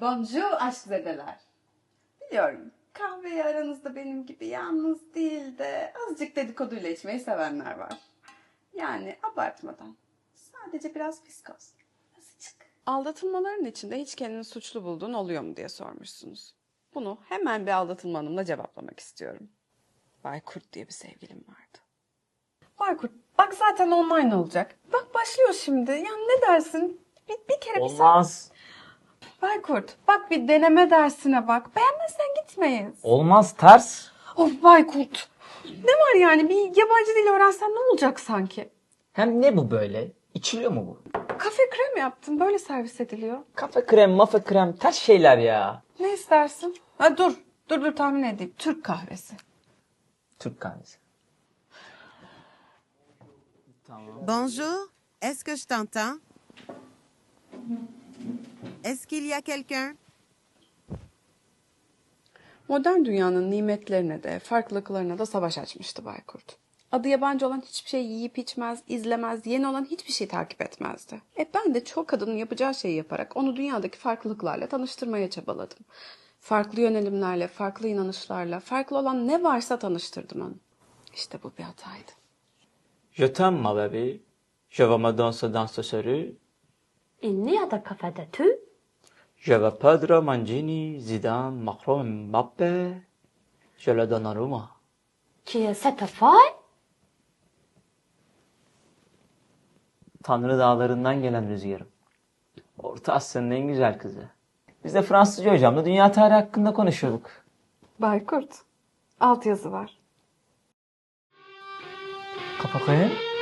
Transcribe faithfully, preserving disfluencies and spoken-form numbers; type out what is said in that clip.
Bonjour aşkzedeler. Biliyorum kahveyi aranızda benim gibi yalnız değil de azıcık dedikoduyla içmeyi sevenler var. Yani abartmadan. Sadece biraz fiskos. Azıcık. Aldatılmaların içinde hiç kendini suçlu bulduğun oluyor mu diye sormuşsunuz. Bunu hemen bir aldatılma hanımla cevaplamak istiyorum. Baykurt diye bir sevgilim vardı. Baykurt, bak zaten online olacak. Bak başlıyor şimdi. Ya ne dersin? Bir, bir kere bir sen... Olmaz. Baykurt, bak bir deneme dersine bak. Beğenmezsen gitmeyiz. Olmaz, ters. Of Baykurt. Ne var yani? Bir yabancı dil öğrensen ne olacak sanki? Hem ne bu böyle? İçiliyor mu bu? Kafe krem yaptım. Böyle servis ediliyor. Kafe krem, mafe krem, ters şeyler ya. Ne istersin? Ha dur. Dur dur tahmin edeyim. Türk kahvesi. Türk kahvesi. Tamam. Bonjour, est-ce que je t'entends? Est-ce qu'il y a quelqu'un? Modern dünyanın nimetlerine de, farklılıklarına da savaş açmıştı Baykurt. Adı yabancı olan hiçbir şey yiyip içmez, izlemez, yeni olan hiçbir şey takip etmezdi. E ben de çoğu kadının yapacağı şeyi yaparak onu dünyadaki farklılıklarla tanıştırmaya çabaladım. Farklı yönelimlerle, farklı inanışlarla, farklı olan ne varsa tanıştırdım onu. İşte bu bir hataydı. Je t'aime ma bébé. Je vais me danser dans ce rue. Il n'y a de café de tout. Je vais Pedro, Mangini, Zidane, Macron, Mbappé. Je le donne à Roma. Qui est cette fille? Tanrı dağlarından gelen rüzgarım. Orta Asya'nın en güzel kızı. Biz de Fransızca hocamla dünya tarihi hakkında konuşuyorduk. Baykurt, altyazı var. Kapakaya.